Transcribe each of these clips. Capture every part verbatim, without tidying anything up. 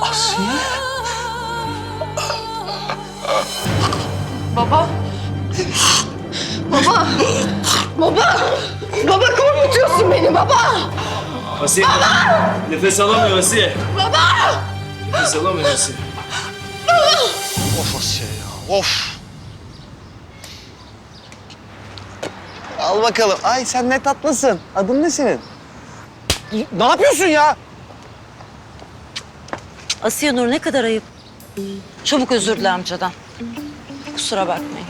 Asiye. Baba. Baba. Baba. Baba korkutuyorsun beni baba. Asiye. Baba. Nefes alamıyor Asiye. Baba. Nefes alamıyor Asiye. Of Asiye ya, of. Al bakalım. Ay sen ne tatlısın. Adın ne senin? Ne yapıyorsun ya? Asiye Nur ne kadar ayıp. Çabuk özür dile amcadan. Kusura bakmayın.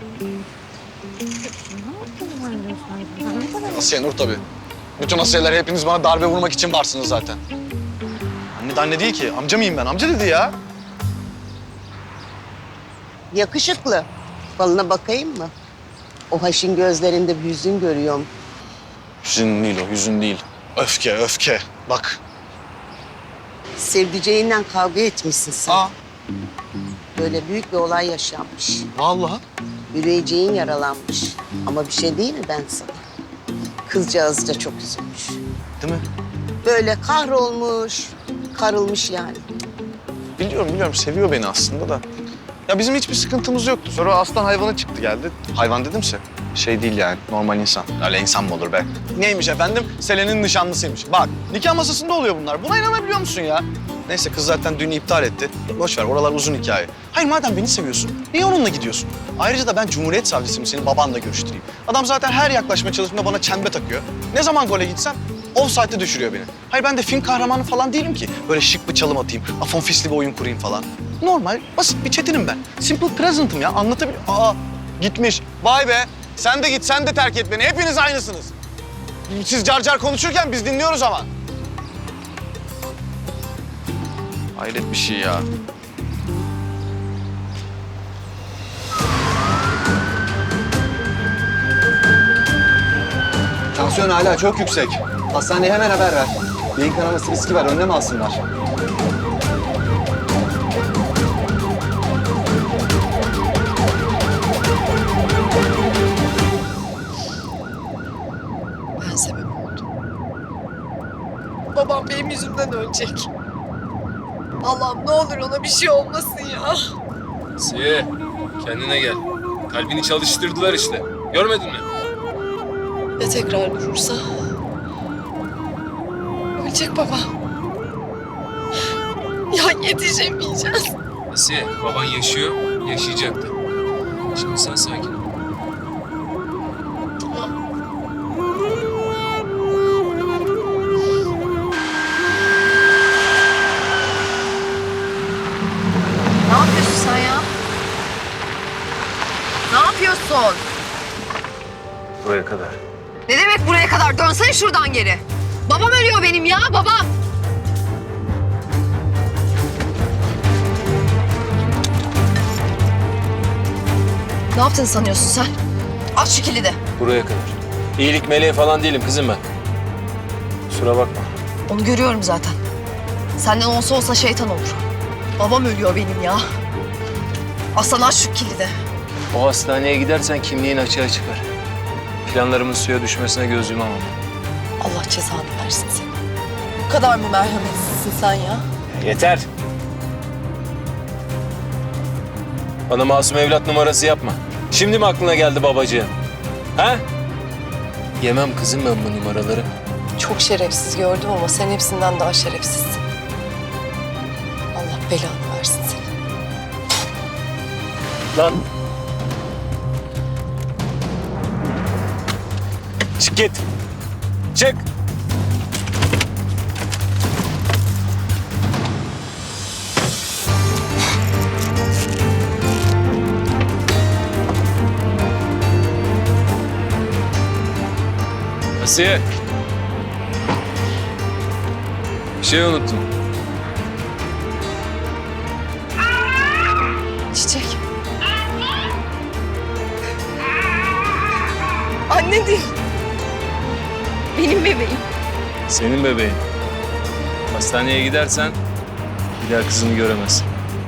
Asiye Nur tabii. Bütün Asiyeler hepiniz bana darbe vurmak için varsınız zaten. Anne de anne değil ki. Amca mıyım ben? Amca dedi ya. Yakışıklı. Balına bakayım mı? O haşin gözlerinde bir hüzün görüyorum. Hüzün değil o, hüzün değil. Öfke, öfke. Bak. Sevdiceğinden kavga etmişsin sen. Aa, Böyle büyük bir olay yaşanmış. vallahi. Yüreceğin yaralanmış. Ama bir şey değil mi ben sana? Kızcağız da çok üzülmüş. Değil mi? Böyle kahrolmuş, karılmış yani. Biliyorum, biliyorum. Seviyor beni aslında da. Ya bizim hiçbir sıkıntımız yoktu. Sonra aslan hayvanı çıktı geldi. Hayvan dedimse şey değil yani, normal insan. Öyle insan mı olur be? Neymiş efendim? Selen'in nişanlısıymış. Bak, nikah masasında oluyor bunlar. Buna inanabiliyor musun ya? Neyse kız zaten düğünü iptal etti. Boş ver, oralar uzun hikaye. Hayır madem beni seviyorsun, niye onunla gidiyorsun? Ayrıca da ben Cumhuriyet Savcısıyım, senin babanla görüştüreyim. Adam zaten her yaklaşma çalışmada bana çembe takıyor. Ne zaman gole gitsem offside'e düşürüyor beni. Hayır ben de film kahramanı falan değilim ki. Böyle şık bir çalım atayım, afon fisli bir oyun kurayım falan. Normal, basit bir çetinim ben. Simple present'ım ya, anlatabiliyor. Aa, gitmiş. Vay be, sen de git, sen de terk et beni. Hepiniz aynısınız. Siz car car konuşurken biz dinliyoruz ama. Hayret bir şey ya. Tansiyon hala çok yüksek. Hastaneye hemen haber ver. Beyin kanaması riski var, önlem alsınlar. Ben sebep oldum. Babam benim yüzümden ölecek. Allah'ım ne olur ona bir şey olmasın ya. Asiye, kendine gel. Kalbini çalıştırdılar işte. Görmedin mi? Ya tekrar durursa? Ölecek babam. Ya yetişemeyeceğiz. Asiye, baban yaşıyor, yaşayacaktı. Şimdi sen sakin ol. Ne yapıyorsun sen ya? Ne yapıyorsun? Buraya kadar. Ne demek buraya kadar? Dönsene şuradan geri. Babam ölüyor benim ya, babam. Ne yaptın sanıyorsun sen? Aç şu kilidi. Buraya kadar. İyilik meleği falan değilim kızım ben. Kusura bakma. Onu görüyorum zaten. Senden olsa olsa şeytan olur. Babam ölüyor benim ya. Aslan aç şu kilidi. O hastaneye gidersen kimliğin açığa çıkar. Planlarımın suya düşmesine göz yumamam. Allah cezanı versin seni. Bu kadar mı merhametsizsin sen ya? Yeter. Bana masum evlat numarası yapma. Şimdi mi aklına geldi babacığım? Ha? Yemem kızım ben bu numaraları. Çok şerefsiz gördüm ama sen hepsinden daha şerefsizsin. Allah belanı versin seni. Lan. Çık git. Çık. Asiye. Bir şey unuttum. Çiçek. Anne değil. Benim bebeğim. Senin bebeğin. Hastaneye gidersen bir daha kızını göremezsin.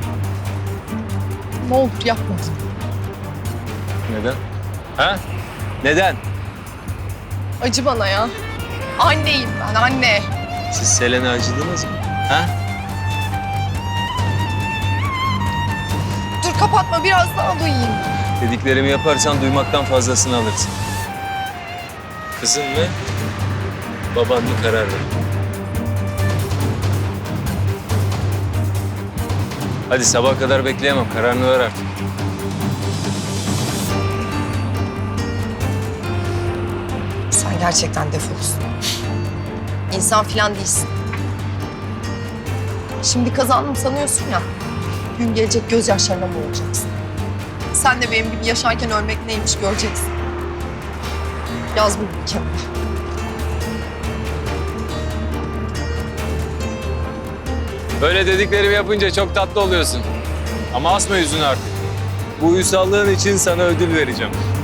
Ne olur yapma. Neden? Ha? Neden? Acı bana ya. Anneyim ben, anne. Siz Selen'e acıdınız mı? Ha? Kapatma, biraz daha duyayım. Dediklerimi yaparsan duymaktan fazlasını alırsın. Kızın mı? Baban mı karar ver. Hadi sabaha kadar bekleyemem. Kararını ver artık. Sen gerçekten defolsun. İnsan filan değilsin. Şimdi kazandım sanıyorsun ya. Gün gelecek gözyaşlarına boğulacaksın. Sen de benim gibi yaşarken ölmek neymiş göreceksin. Yaz bunu bir kenara. Böyle dediklerimi yapınca çok tatlı oluyorsun. Ama asma yüzünü artık. Bu uysallığın için sana ödül vereceğim.